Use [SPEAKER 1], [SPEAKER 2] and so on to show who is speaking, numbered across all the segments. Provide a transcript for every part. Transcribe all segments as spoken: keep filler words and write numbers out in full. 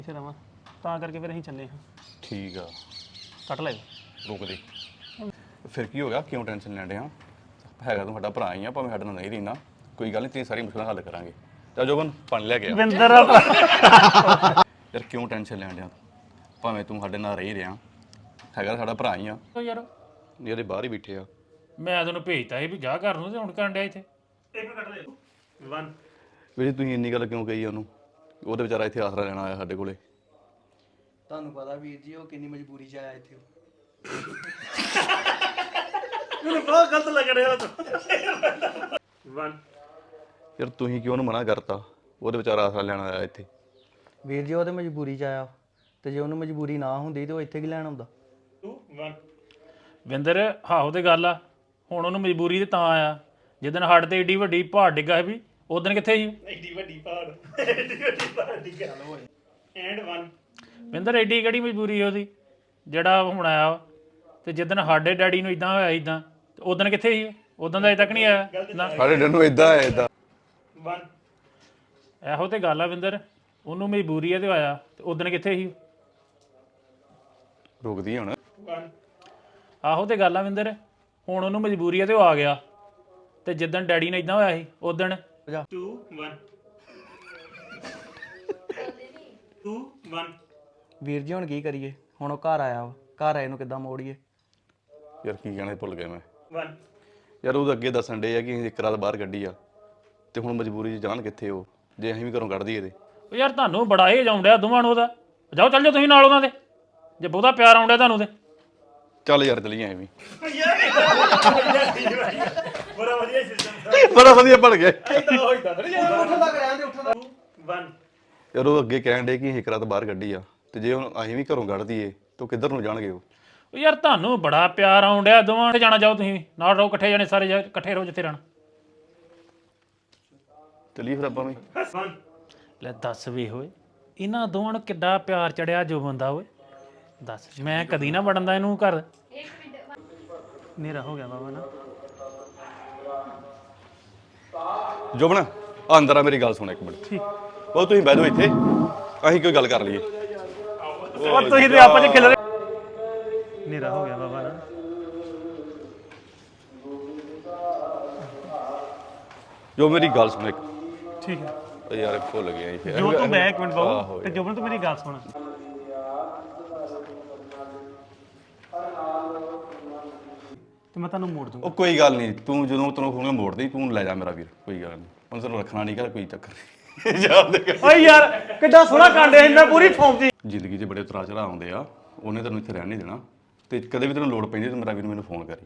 [SPEAKER 1] ਇੱਥੇ ਰਵਾਂ ਤਾਂ ਕਰਕੇ ਫਿਰ ਅਸੀਂ ਚੱਲੇ ਹਾਂ।
[SPEAKER 2] ਠੀਕ ਆ
[SPEAKER 1] ਕੱਟ ਲੈ
[SPEAKER 2] ਰੁਕ ਦੇ ਫਿਰ ਕੀ ਹੋ ਗਿਆ ਕਿਉਂ ਟੈਨਸ਼ਨ ਲੈਣ ਡਿਆ ਹੈਗਾ ਤੂੰ ਸਾਡਾ ਭਰਾ ਹੀ ਆ ਭਾਵੇਂ ਸਾਡੇ ਨਾਲ ਨਹੀਂ ਰਹਿਣਾ ਕੋਈ ਗੱਲ ਨਹੀਂ ਤੇਰੀ ਸਾਰੀ ਮੁਸ਼ਕਲਾਂ ਹੱਲ ਕਰਾਂਗੇ ਚੱਲ ਜੋਬਨ ਪਾਣੀ ਲੈ ਗਿਆ
[SPEAKER 1] ਵਿੰਦਰ
[SPEAKER 2] ਯਾਰ ਕਿਉਂ ਟੈਨਸ਼ਨ ਲੈਣ ਡਿਆ ਭਾਵੇਂ ਤੂੰ ਸਾਡੇ ਨਾਲ ਰਹਿ ਰਿਹਾ ਹੈਗਾ ਸਾਡਾ ਭਰਾ ਹੀ ਆ
[SPEAKER 3] ਯਾਰ
[SPEAKER 2] ਜਿਹੜੇ ਬਾਹਰ ਹੀ ਬੈਠੇ ਆ
[SPEAKER 3] ਮੈਂ ਤੈਨੂੰ ਭੇਜਤਾ ਸੀ ਵੀ ਜਾ ਘਰ ਨੂੰ ਤੇ ਹੁਣ ਕਰਨ ਡਿਆ ਇੱਥੇ
[SPEAKER 1] ਇੱਕ ਕੱਟ ਲੈ ਵਨ
[SPEAKER 2] ਵੀਰੇ ਤੁਸੀਂ ਇੰਨੀ ਗੱਲ ਕਿਉਂ ਕਹੀ ਉਹਨੂੰ ਉਹਦੇ ਵਿਚਾਰਾ ਇੱਥੇ ਆਸਰਾ ਲੈਣਾ ਆਇਆ ਸਾਡੇ ਕੋਲੇ
[SPEAKER 4] ਤੁਹਾਨੂੰ ਪਤਾ ਵੀਰ ਜੀ ਉਹ ਕਿੰਨੀ ਮਜਬੂਰੀ 'ਚ ਆਇਆ ਇੱਥੇ
[SPEAKER 1] ਮੈਨੂੰ ਬਹੁਤ ਗਲਤ ਲੱਗ ਰਿਹਾ ਵਨ
[SPEAKER 2] ਯਾਰ ਤੁਸੀਂ ਕਿਉਂ ਉਹਨੂੰ ਮਨਾ ਕਰਤਾ ਉਹਦੇ ਵਿਚਾਰਾ ਆਸਰਾ ਲੈਣ ਆਇਆ ਇੱਥੇ
[SPEAKER 4] ਵੀਰ ਜੀ ਉਹ ਤੇ ਮਜਬੂਰੀ 'ਚ ਆਇਆ ਤੇ ਜੇ ਉਹਨੂੰ ਮਜਬੂਰੀ ਨਾ ਹੁੰਦੀ ਤੇ ਉਹ ਇੱਥੇ ਕੀ ਲੈਣ ਆਉਂਦਾ
[SPEAKER 1] ਟੂ ਵਨ
[SPEAKER 3] ਵਿੰਦਰ ਹਾਹੋ ਤੇ ਗੱਲ ਆ ਹੁਣ ਉਹਨੂੰ ਮਜਬੂਰੀ ਤੇ ਤਾਂ ਆਇਆ ਜਿੱਦਣ ਹੱਡ ਤੇ ਏਡੀ ਵੱਡੀ ਪਹਾੜ ਡਿੱਗਾ ਸੀ ਵੀ ਉਦੋਂ ਕਿੱਥੇ ਸੀ
[SPEAKER 1] ਐਡੀ ਵੱਡੀ ਪਹਾੜ ਐਡੀ ਵੱਡੀ ਪਹਾੜ ਦੀ ਗੱਲ ਹੋਏ ਐਂਡ ਵਨ
[SPEAKER 3] ਵਿੰਦਰ ਏਡੀ ਕਿਹੜੀ ਮਜਬੂਰੀ ਸੀ ਉਹਦੀ ਜਿਹੜਾ ਹੁਣ ਆਇਆ ਵਾ। ਤੇ ਜਿੱਦਣ ਸਾਡੇ ਡੈਡੀ ਨੂੰ ਇਦਾਂ ਹੋਇਆ ਇਦਾਂ ਉਦੋਂ ਕਿੱਥੇ ਸੀ ਉਦੋਂ ਦਾ ਅਜੇ ਤੱਕ ਨਹੀਂ ਆਇਆ ਨਾ
[SPEAKER 2] ਸਾਡੇ ਡਰ ਨੂੰ ਇਦਾਂ ਹੈ ਇਦਾਂ
[SPEAKER 1] ਵਨ
[SPEAKER 3] ਇਹੋ ਤੇ ਗੱਲ ਆ ਵਿੰਦਰ ਉਹਨੂੰ ਮਜਬੂਰੀ ਆ ਤੇ ਆਇਆ ਤੇ ਉਦੋਂ ਕਿੱਥੇ ਸੀ
[SPEAKER 2] ਰੁਕਦੀ ਹੁਣ
[SPEAKER 1] ਵਨ
[SPEAKER 3] ਆਹੋ ਤੇ ਗੱਲ ਆ ਵਿੰਦਰ ਹੁਣ ਉਹਨੂੰ ਮਜਬੂਰੀ ਆ ਤੇ ਉਹ ਆ ਗਿਆ ਤੇ ਜਿੱਦਣ ਡੈਡੀ ਨੇ ਇਦਾਂ ਹੋਇਆ ਸੀ ਉਦੋਂ
[SPEAKER 1] ਟੂ ਵਨ ਟੂ ਵਨ
[SPEAKER 4] ਵੀਰ ਜੀ ਹੁਣ ਕੀ ਕਰੀਏ ਹੁਣ ਉਹ ਘਰ ਆਇਆ ਵਾ ਘਰ ਆਏ ਨੂੰ ਕਿੱਦਾਂ ਮੋੜੀਏ
[SPEAKER 2] ਯਾਰ ਕੀ ਕਹਿਣਾ ਭੁੱਲ ਗਿਆ ਮੈਂ
[SPEAKER 1] ਵਨ
[SPEAKER 2] ਯਾਰ ਉਹ ਅੱਗੇ ਦੱਸਣ ਡੇ ਆ ਕਿ ਅਸੀਂ ਇੱਕ ਰਾਤ ਬਾਹਰ ਕੱਢੀ ਆ ਤੇ ਹੁਣ ਮਜਬੂਰੀ 'ਚ ਜਾਣ ਕਿੱਥੇ ਉਹ ਜੇ ਅਸੀਂ ਵੀ ਘਰੋਂ ਕੱਢ ਦਈਏ ਤੇ
[SPEAKER 3] ਉਹ ਯਾਰ ਤੁਹਾਨੂੰ ਬੜਾ ਇਹ ਜਾਉਣ ਡਿਆ ਦੋਵਾਂ ਨੂੰ ਉਹਦਾ ਜਾਓ ਚੱਲ ਜਾਓ ਤੁਸੀਂ ਨਾਲ ਉਹਨਾਂ ਦੇ ਜੇ ਬਹੁਤਾ ਪਿਆਰ ਆਉਣ ਡਿਆ ਤੁਹਾਨੂੰ ਤੇ
[SPEAKER 2] ਚੱਲ ਯਾਰ ਚਲੀਏ ਐਵੇਂ
[SPEAKER 1] ਬੜਾ ਵਧੀਆ ਸਿਸਟਮ
[SPEAKER 2] ਬੜਾ ਵਧੀਆ ਬਣ ਗਿਆ
[SPEAKER 1] ਵਨ
[SPEAKER 2] ਯਾਰ ਉਹ ਅੱਗੇ ਕਹਿਣ ਡੇ ਕਿ ਅਸੀਂ ਇੱਕ ਰਾਤ ਬਾਹਰ ਕੱਢੀ ਆ ਤੇ ਜੇ ਹੁਣ ਅਸੀਂ ਵੀ ਘਰੋਂ ਕੱਢ ਦਈਏ ਤਾਂ ਕਿੱਧਰ ਨੂੰ ਜਾਣਗੇ ਉਹ
[SPEAKER 3] ਉਹ ਯਾਰ ਤੁਹਾਨੂੰ ਬੜਾ ਪਿਆਰ ਆਉਣ ਡਿਆ ਦੋਵਾਂ ਨੇ ਜਾਣਾ ਜਾਓ ਤੁਸੀਂ ਵੀ ਨਾਲ ਰਹੋ ਇਕੱਠੇ ਜਾਣੇ ਸਾਰੇ ਜਾ- ਇਕੱਠੇ ਰਹੋ ਜਿੱਥੇ ਰਹਿਣਾ
[SPEAKER 2] ਚਲੀਏ ਫਿਰ ਆਪਾਂ ਵੀ
[SPEAKER 1] ਵਨ
[SPEAKER 3] ਲੈ ਦੱਸ ਵੇ ਹੋਏ ਇਹਨਾਂ ਦੋਵਾਂ ਨੂੰ ਕਿੱਡਾ ਪਿਆਰ ਚੜਿਆ ਜੋ ਬੰਦਾ ਓਏ ਦੱਸ ਮੈਂ ਕਦੀ ਨਾ ਵੜਨ ਦਾ ਇਹਨੂੰ ਘਰ
[SPEAKER 1] ਨੇਰਾ ਹੋ ਗਿਆ ਬਾਬਾ ਨਾ
[SPEAKER 2] ਜੋਬਨ ਆ ਅੰਦਰ ਆ ਮੇਰੀ ਗੱਲ ਸੁਣ ਇੱਕ ਮਿੰਟ ਠੀਕ ਉਹ ਤੁਸੀਂ ਬਹਿ ਜਾਓ ਇੱਥੇ ਅਸੀਂ ਕੋਈ ਗੱਲ ਕਰ ਲਈਏ
[SPEAKER 1] ਉਹ ਤੁਸੀਂ ਤੇ ਆਪਾਂ ਚ ਖਿਲ ਰਹੇ ਨੇਰਾ ਹੋ ਗਿਆ ਬਾਬਾ ਨਾ
[SPEAKER 2] ਜੋ ਮੇਰੀ ਗੱਲ ਸੁਣ ਇੱਕ
[SPEAKER 1] ਠੀਕ ਹੈ
[SPEAKER 2] ਓ ਯਾਰ ਭੁੱਲ ਗਿਆ ਜੀ
[SPEAKER 1] ਜੋ ਤੂੰ ਮੈਂ ਇੱਕ ਮਿੰਟ
[SPEAKER 2] ਆਹੋ
[SPEAKER 1] ਬਾਬੂ ਤੇ ਜੋਬਨ ਤੂੰ ਮੇਰੀ ਗੱਲ ਸੁਣ ਤੇ ਮੈਂ ਤੁਹਾਨੂੰ ਮੋੜ ਦੂੰਗਾ
[SPEAKER 2] ਉਹ ਕੋਈ ਗੱਲ ਨਹੀਂ ਤੂੰ ਜਦੋਂ ਤੈਨੂੰ ਖੋਣਾ ਮੋੜ ਦੇ ਤੂੰ ਲੈ ਜਾ ਮੇਰਾ ਵੀਰ ਕੋਈ ਗੱਲ ਨਹੀਂ ਹੁਣ ਤੈਨੂੰ ਰੱਖਣਾ ਨਹੀਂ ਕਰ ਕੋਈ ਚੱਕਰ ਨਹੀਂ ਯਾਦ ਕਰ
[SPEAKER 1] ਓਏ ਯਾਰ ਕਿੱਡਾ ਸੋਹਣਾ ਕਾਂਡੇ ਇੰਨਾ ਪੂਰੀ ਫੌਮ ਦੀ
[SPEAKER 2] ਜ਼ਿੰਦਗੀ 'ਚ ਬੜੇ ਉਤਰਾਅ ਚੜ੍ਹਾਅ ਆਉਂਦੇ ਆ ਉਹਨੇ ਤੈਨੂੰ ਇੱਥੇ ਰਹਿਣ ਨਹੀਂ ਦੇਣਾ ਤੇ ਕਦੇ ਵੀ ਤੈਨੂੰ ਲੋੜ ਪੈਂਦੀ ਤਾਂ ਮੇਰਾ ਵੀਰ ਮੈਨੂੰ ਫੋਨ ਕਰੀ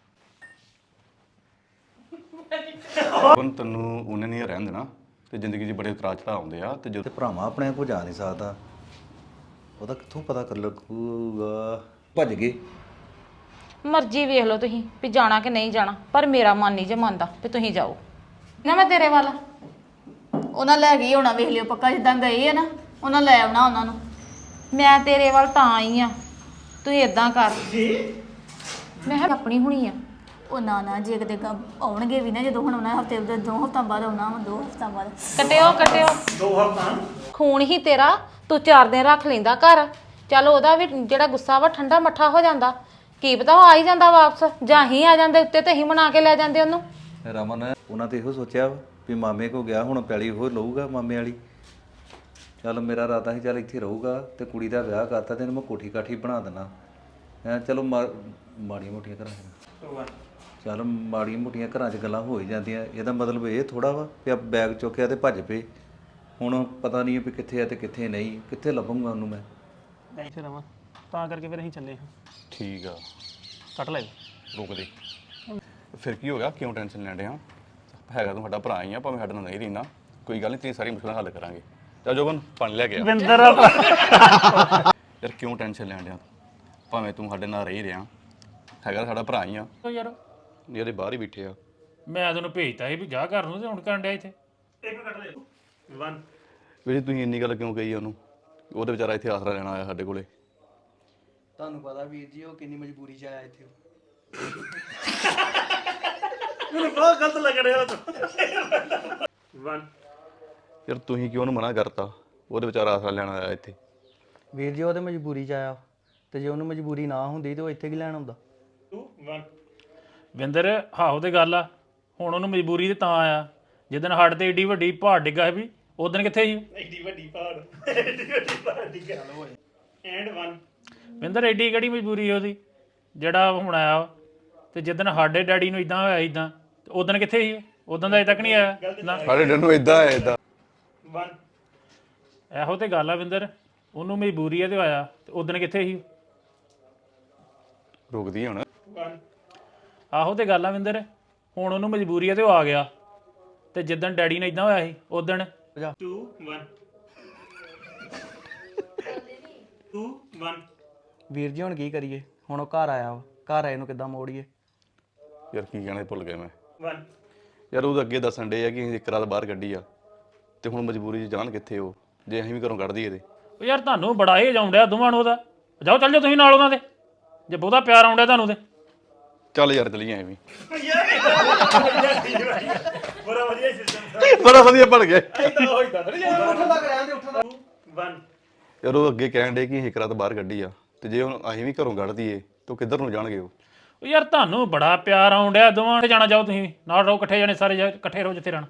[SPEAKER 2] ਹੁਣ ਤੈਨੂੰ ਉਹਨੇ ਨਹੀਂ ਰਹਿਣ ਦੇਣਾ ਤੇ ਜ਼ਿੰਦਗੀ 'ਚ ਬੜੇ ਉਤਰਾਅ ਚੜ੍ਹਾਅ ਆਉਂਦੇ ਆ ਤੇ ਜਦੋਂ
[SPEAKER 5] ਤੇ ਭਰਾਵਾਂ ਆਪਣੇ ਕੋ ਜਾ ਨਹੀਂ ਸਕਦਾ ਉਹਦਾ ਕਿੱਥੋਂ ਪਤਾ ਕਰ ਲੱਗੂਗਾ ਭੱਜ ਗਏ
[SPEAKER 6] ਮਰਜ਼ੀ ਵੇਖ ਲਓ ਤੁਸੀਂ ਵੀ ਜਾਣਾ ਕਿ ਨਹੀਂ ਜਾਣਾ ਪਰ ਮੇਰਾ ਮਨ ਨਹੀਂ ਜੇ ਮੰਨਦਾ ਵੀ ਤੁਸੀਂ ਜਾਓ ਨਾ ਮੈਂ ਤੇਰੇ ਵੱਲ
[SPEAKER 7] ਉਹਨਾਂ ਲੈ ਗਈ ਹੋਣਾ ਵੇਖ ਲਿਓ ਪੱਕਾ ਜਿੱਦਾਂ ਗਏ ਆ ਨਾ ਉਹਨਾਂ ਲੈ ਆਉਣਾ ਉਹਨਾਂ ਨੂੰ
[SPEAKER 6] ਮੈਂ ਤੇਰੇ ਵੱਲ ਤਾਂ ਆਈ ਆ ਤੂੰ ਇਦਾਂ ਕਰ ਮੈਂ ਕਿਹਾ ਆਪਣੀ ਹੁਣੀ ਆ
[SPEAKER 7] ਉਹ ਨਾ ਨਾ ਜੇ ਕਿਤੇ ਕ- ਆਉਣਗੇ ਵੀ ਨਾ ਜਦੋਂ ਹੁਣ ਉਹਨਾਂ ਹਫਤੇ ਦੇ ਦੋ ਹਫਤਾ ਬਾਅਦ ਆਉਣਾ ਵਾ ਦੋ ਹਫਤਾ ਬਾਅਦ
[SPEAKER 6] ਕਟਿਓ ਕਟਿਓ
[SPEAKER 1] ਦੋ ਹਫ਼ਤਾ
[SPEAKER 6] ਖੂਨ ਹੀ ਤੇਰਾ ਤੂੰ ਚਾਰ ਦਿਨ ਰੱਖ ਲੈਂਦਾ ਘਰ ਚੱਲ ਉਹਦਾ ਵੀ ਜਿਹੜਾ ਗੁੱਸਾ ਵਾ ਠੰਡਾ ਮੱਠਾ ਹੋ ਜਾਂਦਾ ਕੀ ਪਤਾ ਉਹ ਆ ਹੀ ਜਾਂਦਾ ਵਾਪਸ ਜਾਂ ਹੀ ਆ ਜਾਂਦੇ ਉੱਤੇ ਤੇ ਹੀ ਮਨਾ ਕੇ ਲੈ ਜਾਂਦੇ ਉਹਨੂੰ
[SPEAKER 5] ਰਮਨ ਉਹਨਾਂ ਤੇ ਇਹੋ ਸੋਚਿਆ ਵਾ ਵੀ ਮਾਮੇ ਕੋ ਗਿਆ ਹੁਣ ਪੈਲੀ ਉਹ ਲਊਗਾ ਮਾਮੇ ਵਾਲੀ ਚੱਲ ਮੇਰਾ ਇਰਾਦਾ ਸੀ ਚੱਲ ਇੱਥੇ ਰਹੂਗਾ ਤੇ ਕੁੜੀ ਦਾ ਵਿਆਹ ਕਰਤਾ ਤੇ ਇਹਨੂੰ ਮੈਂ ਕੋਠੀ ਕਾਠੀ ਬਣਾ ਦੇਣਾ ਹੈਂ ਚਲੋ ਮਾ- ਮਾੜੀਆਂ ਮੋਟੀਆਂ ਘਰਾਂ 'ਚ ਚੱਲ ਮਾੜੀਆਂ ਮੋਟੀਆਂ ਘਰਾਂ 'ਚ ਗੱਲਾਂ ਹੋ ਹੀ ਜਾਂਦੀਆਂ ਇਹਦਾ ਮਤਲਬ ਇਹ ਥੋੜਾ ਵਾ ਵੀ ਆ ਬੈਗ ਚੁੱਕਿਆ ਤੇ ਭੱਜ ਪਏ ਹੁਣ ਪਤਾ ਨਹੀਂ ਵੀ ਕਿੱਥੇ ਆ ਤੇ ਕਿੱਥੇ ਨਹੀਂ ਕਿੱਥੇ ਲੱਭੂਗਾ ਉਹਨੂੰ ਮੈਂ
[SPEAKER 1] ਇੱਥੇ ਰਵਾਂ ਤਾਂ ਕਰਕੇ ਫਿਰ ਅਸੀਂ ਚੱਲੇ ਹਾਂ।
[SPEAKER 2] ਠੀਕ ਆ
[SPEAKER 1] ਕੱਟ ਲੈ
[SPEAKER 2] ਰੁਕ ਦੇ ਫਿਰ ਕੀ ਹੋ ਗਿਆ ਕਿਉਂ ਟੈਨਸ਼ਨ ਲੈਣ ਡਿਆ ਹੈਗਾ ਤੂੰ ਸਾਡਾ ਭਰਾ ਹੀ ਆ ਭਾਵੇਂ ਸਾਡੇ ਨਾਲ ਨਹੀਂ ਰਹਿਣਾ ਕੋਈ ਗੱਲ ਨਹੀਂ ਤੇਰੀ ਸਾਰੀ ਮੁਸ਼ਕਲਾਂ ਹੱਲ ਕਰਾਂਗੇ ਚੱਲ ਜੋਬਨ ਪਾਣੀ ਲੈ ਗਿਆ
[SPEAKER 1] ਵਿੰਦਰ
[SPEAKER 2] ਯਾਰ ਕਿਉਂ ਟੈਨਸ਼ਨ ਲੈਣ ਡਿਆ ਭਾਵੇਂ ਤੂੰ ਸਾਡੇ ਨਾਲ ਰਹਿ ਰਿਹਾ ਹੈਗਾ ਸਾਡਾ ਭਰਾ ਹੀ ਆ
[SPEAKER 3] ਉਹ ਯਾਰ
[SPEAKER 2] ਜਿਹੜੇ ਬਾਹਰ ਹੀ ਬੈਠੇ ਆ
[SPEAKER 3] ਮੈਂ ਤੈਨੂੰ ਭੇਜਤਾ ਸੀ ਵੀ ਜਾ ਘਰ ਨੂੰ ਤੇ ਹੁਣ ਕਰਨ ਡਿਆ ਇੱਥੇ
[SPEAKER 1] ਇੱਕ ਕੱਟ ਲੈ ਵਨ
[SPEAKER 2] ਵੀਰੇ ਤੁਸੀਂ ਇੰਨੀ ਗੱਲ ਕਿਉਂ ਕਹੀ ਉਹਨੂੰ ਉਹਦੇ ਵਿਚਾਰਾ ਇੱਥੇ ਆਸਰਾ ਲੈਣਾ ਆਇਆ ਸਾਡੇ ਕੋਲੇ
[SPEAKER 4] ਤੁਹਾਨੂੰ ਪਤਾ ਵੀਰ ਜੀ ਉਹ ਕਿੰਨੀ ਮਜਬੂਰੀ 'ਚ ਆਇਆ ਇੱਥੇ
[SPEAKER 1] ਮੈਨੂੰ ਬਹੁਤ ਗਲਤ ਲੱਗ ਰਿਹਾ ਵਨ
[SPEAKER 2] ਯਾਰ ਤੁਸੀਂ ਕਿਉਂ ਉਹਨੂੰ ਮਨਾ ਕਰਤਾ ਉਹਦੇ ਵਿਚਾਰਾ ਆਸਰਾ ਲੈਣ ਆਇਆ ਇੱਥੇ।
[SPEAKER 4] ਵੀਰ ਜੀ ਉਹ ਤੇ ਮਜਬੂਰੀ 'ਚ ਆਇਆ ਤੇ ਜੇ ਉਹਨੂੰ ਮਜਬੂਰੀ ਨਾ ਹੁੰਦੀ ਤੇ ਉਹ ਇੱਥੇ ਕੀ ਲੈਣ ਆਉਂਦਾ।
[SPEAKER 3] ਵਿੰਦਰ ਹਾਹੋ ਤੇ ਗੱਲ ਆ, ਹੁਣ ਉਹਨੂੰ ਮਜਬੂਰੀ ਤੇ ਤਾਂ ਆਇਆ ਜਿੱਦਣ ਸਾਡੇ ਤੇ ਏਡੀ ਵੱਡੀ ਪਹਾੜ ਡਿੱਗਾ ਸੀ ਵੀ ਉਦੋਂ ਕਿੱਥੇ ਸੀ?
[SPEAKER 1] ਐਡੀ ਵੱਡੀ ਪਹਾੜ ਐਡੀ ਵੱਡੀ ਪਹਾੜ ਦੀ ਗੱਲ ਹੋਏ ਐਂਡ ਵਨ
[SPEAKER 3] ਵਿੰਦਰ ਐਡੀ ਕਿਹੜੀ ਮਜਬੂਰੀ ਸੀ ਉਹਦੀ ਜਿਹੜਾ ਹੁਣ ਆਇਆ ਵਾ। ਤੇ ਜਿੱਦਣ ਸਾਡੇ ਡੈਡੀ ਨੂੰ ਇਦਾਂ ਹੋਇਆ ਇਦਾਂ ਉਦੋਂ ਕਿੱਥੇ ਸੀ? ਉਦੋਂ ਦਾ ਅਜੇ ਤੱਕ ਨਹੀਂ ਆਇਆ ਨਾ।
[SPEAKER 2] ਸਾਡੇ ਡਰ ਨੂੰ ਇਦਾਂ ਹੈ ਇਦਾਂ
[SPEAKER 1] ਵਨ
[SPEAKER 3] ਇਹੋ ਤੇ ਗੱਲ ਆ ਵਿੰਦਰ, ਉਹਨੂੰ ਮਜਬੂਰੀ ਆ ਤੇ ਆਇਆ ਤੇ ਉਦੋਂ ਕਿੱਥੇ ਸੀ?
[SPEAKER 2] ਰੁਕਦੀ ਹੁਣ।
[SPEAKER 1] ਵਨ
[SPEAKER 3] ਆਹੋ ਤੇ ਗੱਲ ਆ ਵਿੰਦਰ, ਹੁਣ ਉਹਨੂੰ ਮਜਬੂਰੀ ਆ ਤੇ ਉਹ ਆ ਗਿਆ ਤੇ ਜਿੱਦਣ ਡੈਡੀ ਨੇ ਇਦਾਂ ਹੋਇਆ ਸੀ ਉਦੋਂ
[SPEAKER 1] ਟੂ ਵਨ ਟੂ ਵਨ
[SPEAKER 4] ਵੀਰ ਜੀ ਹੁਣ ਕੀ ਕਰੀਏ, ਹੁਣ ਉਹ ਘਰ ਆਇਆ ਵਾ, ਘਰ ਆਏ ਨੂੰ ਕਿੱਦਾਂ ਮੋੜੀਏ।
[SPEAKER 2] ਯਾਰ ਕੀ ਕਹਿਣਾ ਭੁੱਲ ਗਿਆ ਮੈਂ
[SPEAKER 1] ਵਨ
[SPEAKER 2] ਯਾਰ। ਉਹ ਅੱਗੇ ਦੱਸਣ ਡੇ ਆ ਕਿ ਅਸੀਂ ਇੱਕ ਰਾਤ ਬਾਹਰ ਕੱਢੀ ਆ ਤੇ ਹੁਣ ਮਜਬੂਰੀ 'ਚ ਜਾਣ ਕਿੱਥੇ ਉਹ, ਜੇ ਅਸੀਂ ਵੀ ਘਰੋਂ ਕੱਢ ਦਈਏ ਤੇ।
[SPEAKER 3] ਉਹ ਯਾਰ ਤੁਹਾਨੂੰ ਬੜਾ ਇਹ ਜਾਉਂਦਿਆ ਦੋਵਾਂ ਨੂੰ ਉਹਦਾ। ਜਾਓ ਚੱਲ ਜਾਓ ਤੁਸੀਂ ਨਾਲ ਉਹਨਾਂ ਦੇ, ਜੇ ਬਹੁਤਾ ਪਿਆਰ ਆਉਂਦਾ ਤੁਹਾਨੂੰ ਤੇ।
[SPEAKER 2] ਚੱਲ ਯਾਰ ਚਲੀਏ ਐਵੇਂ।
[SPEAKER 1] ਬੜਾ ਵਧੀਆ ਸਿਸਟਮ
[SPEAKER 2] ਬੜਾ ਵਧੀਆ ਬਣ ਗਿਆ
[SPEAKER 1] ਵਨ
[SPEAKER 2] ਯਾਰ। ਉਹ ਅੱਗੇ ਕਹਿਣ ਡੇ ਕਿ ਅਸੀਂ ਇੱਕ ਰਾਤ ਬਾਹਰ ਕੱਢੀ ਆ ਤੇ ਜੇ ਹੁਣ ਅਸੀਂ ਵੀ ਘਰੋਂ ਕੱਢ ਦਈਏ ਤਾਂ ਕਿੱਧਰ ਨੂੰ ਜਾਣਗੇ ਉਹ।
[SPEAKER 3] ਉਹ ਯਾਰ ਤੁਹਾਨੂੰ ਬੜਾ ਪਿਆਰ ਆਉਂਦਿਆ ਦੋਵਾਂ ਤੇ ਜਾਣਾ। ਜਾਓ ਤੁਸੀਂ ਨਾਲ ਰਹੋ, ਇਕੱਠੇ ਜਾਣੇ ਸਾਰੇ, ਜਾ ਇਕੱਠੇ ਰਹੋ ਜਿੱਥੇ ਰਹਿਣਾ।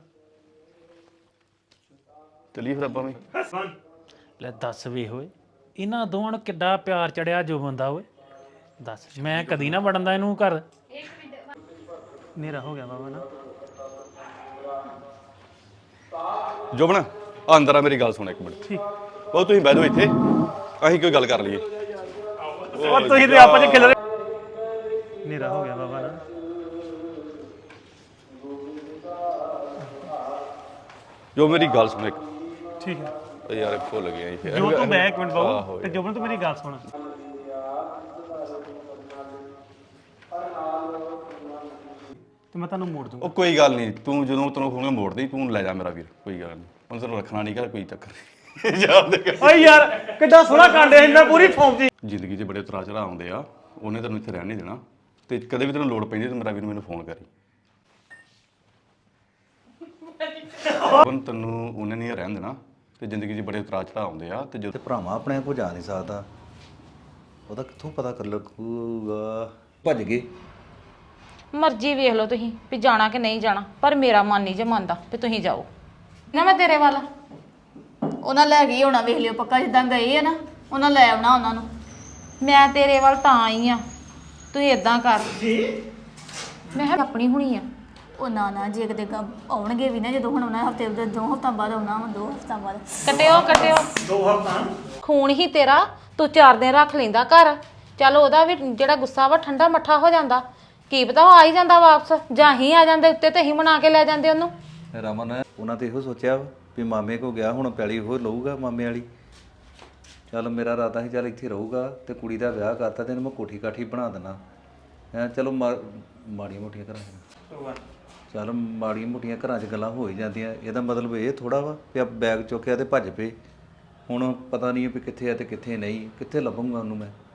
[SPEAKER 2] ਚਲੀਏ ਫਿਰ ਆਪਾਂ ਵੀ।
[SPEAKER 1] ਵਨ
[SPEAKER 3] ਲੈ ਦੱਸ ਵੇ ਹੋਏ, ਇਹਨਾਂ ਦੋਵਾਂ ਨੂੰ ਕਿੱਡਾ ਪਿਆਰ ਚੜਿਆ ਜੋ ਬੰਦਾ ਓਏ। ਦੱਸ ਮੈਂ ਕਦੀ ਨਾ ਵੜਨ ਇਹਨੂੰ ਘਰ।
[SPEAKER 1] ਹਨੇਰਾ ਹੋ ਗਿਆ ਬਾਬਾ ਨਾ।
[SPEAKER 2] ਜੋਬਨ ਆ ਅੰਦਰ ਆ, ਮੇਰੀ ਗੱਲ ਸੁਣ ਇੱਕ ਮਿੰਟ। ਉਹ ਤੁਸੀਂ ਬਹਿ ਜਾਓ ਇੱਥੇ, ਅਸੀਂ ਕੋਈ ਗੱਲ ਕਰ ਲਈਏ।
[SPEAKER 1] ਉਹ ਤੁਸੀਂ ਤੇ ਆਪਾਂ ਚ ਖਿਲ ਰਹੇ। ਹਨੇਰਾ ਹੋ ਗਿਆ ਬਾਬਾ ਨਾ।
[SPEAKER 2] ਜੋ ਮੇਰੀ ਗੱਲ ਸੁਣ ਇੱਕ।
[SPEAKER 1] ਠੀਕ ਹੈ
[SPEAKER 2] ਉਹ ਯਾਰ ਭੁੱਲ ਗਿਆ ਜੀ।
[SPEAKER 1] ਜੋ ਤੂੰ ਬੈ ਇੱਕ ਮਿੰਟ
[SPEAKER 2] ਆਹੋ
[SPEAKER 1] ਬਾਬੂ ਤੇ ਜੋਬਨ ਤੂੰ ਮੇਰੀ ਗੱਲ ਸੁਣ। ਤੇ ਮੈਂ ਤੁਹਾਨੂੰ ਮੋੜ ਦੂੰਗਾ।
[SPEAKER 2] ਉਹ ਕੋਈ ਗੱਲ ਨਹੀਂ, ਤੂੰ ਜਦੋਂ ਤੈਨੂੰ ਖੋਣਗਾ ਮੋੜ ਦੇ, ਤੂੰ ਲੈ ਜਾ ਮੇਰਾ ਵੀਰ, ਕੋਈ ਗੱਲ ਨਹੀਂ। ਹੁਣ ਤੈਨੂੰ ਰੱਖਣਾ ਨਹੀਂ, ਕੋਈ ਚੱਕਰ ਨਹੀਂ। ਯਾਦ ਦੇ
[SPEAKER 1] ਓਏ ਯਾਰ ਕਿੱਡਾ ਸੋਹਣਾ ਕਾਂਡੇ ਇੰਨਾ ਪੂਰੀ ਫੌਮ ਦੀ।
[SPEAKER 2] ਜ਼ਿੰਦਗੀ 'ਚ ਬੜੇ ਉਤਰਾਅ ਚੜ੍ਹਾਅ ਆਉਂਦੇ ਆ, ਉਹਨੇ ਤੈਨੂੰ ਇੱਥੇ ਰਹਿਣ ਨਹੀਂ ਦੇਣਾ। ਤੇ ਕਦੇ ਵੀ ਤੈਨੂੰ ਲੋੜ ਪੈਂਦੀ ਤੇ ਮੇਰਾ ਵੀਰ ਮੈਨੂੰ ਫੋਨ ਕਰੀ। ਹੁਣ ਤੈਨੂੰ ਉਹਨੇ ਨਹੀਂ ਰਹਿਣ ਦੇਣਾ ਤੇ ਜ਼ਿੰਦਗੀ 'ਚ ਬੜੇ ਉਤਰਾਅ ਚੜ੍ਹਾਅ ਆਉਂਦੇ ਆ। ਤੇ ਜਦੋਂ
[SPEAKER 5] ਤੇ ਭਰਾਵਾਂ ਆਪਣੇ ਕੋ ਜਾ ਨਹੀਂ ਸਕਦਾ, ਉਹਦਾ ਕਿੱਥੋਂ ਪਤਾ ਕਰ ਲੱਗੂਗਾ। ਭੱਜ ਗਏ।
[SPEAKER 6] ਮਰਜ਼ੀ ਵੇਖ ਲਓ ਤੁਸੀਂ ਵੀ ਜਾਣਾ ਕਿ ਨਹੀਂ ਜਾਣਾ, ਪਰ ਮੇਰਾ ਮਨ ਨਹੀਂ ਜੇ ਮੰਨਦਾ ਵੀ ਤੁਸੀਂ ਜਾਓ ਨਾ। ਮੈਂ ਤੇਰੇ ਵੱਲ
[SPEAKER 7] ਉਹਨਾਂ ਲੈ ਗਈ ਹੋਣਾ, ਵੇਖ ਲਿਓ ਪੱਕਾ ਜਿੱਦਾਂ ਗਏ ਆ ਨਾ ਉਹਨਾਂ ਲੈ ਆਉਣਾ ਉਹਨਾਂ ਨੂੰ।
[SPEAKER 6] ਮੈਂ ਤੇਰੇ ਵੱਲ ਤਾਂ ਆਈ ਆ, ਤੂੰ ਇਦਾਂ ਕਰ। ਮੈਂ ਕਿਹਾ ਆਪਣੀ ਹੁਣੀ ਆ।
[SPEAKER 7] ਉਹ ਨਾ ਨਾ ਜੇ ਕਿਤੇ ਗ- ਆਉਣਗੇ ਵੀ ਨਾ, ਜਦੋਂ ਹੁਣ ਉਹਨਾਂ ਹਫਤੇ ਦੇ ਦੋ ਹਫ਼ਤਾ ਬਾਅਦ ਆਉਣਾ ਵਾ, ਦੋ ਹਫ਼ਤਾ ਬਾਅਦ।
[SPEAKER 6] ਕਟਿਓ ਕਟਿਓ
[SPEAKER 1] ਦੋ ਹਫ਼ਤਾ
[SPEAKER 6] ਖੂਨ ਹੀ ਤੇਰਾ, ਤੂੰ ਚਾਰ ਦਿਨ ਰੱਖ ਲੈਂਦਾ ਘਰ। ਚੱਲ ਉਹਦਾ ਵੀ ਜਿਹੜਾ ਗੁੱਸਾ ਵਾ ਠੰਡਾ ਮੱਠਾ ਹੋ ਜਾਂਦਾ। ਕੀ ਪਤਾ ਉਹ ਆ ਹੀ ਜਾਂਦਾ ਵਾਪਸ, ਜਾਂ ਹੀ ਆ ਜਾਂਦੇ ਉੱਤੇ ਤੇ ਹੀ ਮਨਾ ਕੇ ਲੈ ਜਾਂਦੇ ਉਹਨੂੰ।
[SPEAKER 5] ਰਮਨ ਉਹਨਾਂ ਤੇ ਇਹੋ ਸੋਚਿਆ ਵਾ ਵੀ ਮਾਮੇ ਕੋ ਗਿਆ, ਹੁਣ ਪੈਲੀ ਉਹ ਲਊਗਾ ਮਾਮੇ ਵਾਲੀ। ਚੱਲ ਮੇਰਾ ਇਰਾਦਾ ਸੀ ਚੱਲ ਇੱਥੇ ਰਹੂਗਾ ਤੇ ਕੁੜੀ ਦਾ ਵਿਆਹ ਕਰਤਾ ਤੇ ਇਹਨੂੰ ਮੈਂ ਕੋਠੀ ਕਾਠੀ ਬਣਾ ਦੇਣਾ ਹੈ। ਚਲੋ ਮਾ- ਮਾੜੀਆਂ ਮੋਟੀਆਂ ਘਰਾਂ 'ਚ ਚੱਲ ਮਾੜੀਆਂ ਮੋਟੀਆਂ ਘਰਾਂ 'ਚ ਗੱਲਾਂ ਹੋ ਹੀ ਜਾਂਦੀਆਂ। ਇਹਦਾ ਮਤਲਬ ਇਹ ਥੋੜਾ ਵਾ ਵੀ ਆ ਬੈਗ ਚੁੱਕਿਆ ਤੇ ਭੱਜ ਪਏ। ਹੁਣ ਪਤਾ ਨਹੀਂ ਵੀ ਕਿੱਥੇ ਆ ਤੇ ਕਿੱਥੇ ਨਹੀਂ, ਕਿੱਥੇ ਲੱਭੂੰਗਾ ਉਹਨੂੰ ਮੈਂ।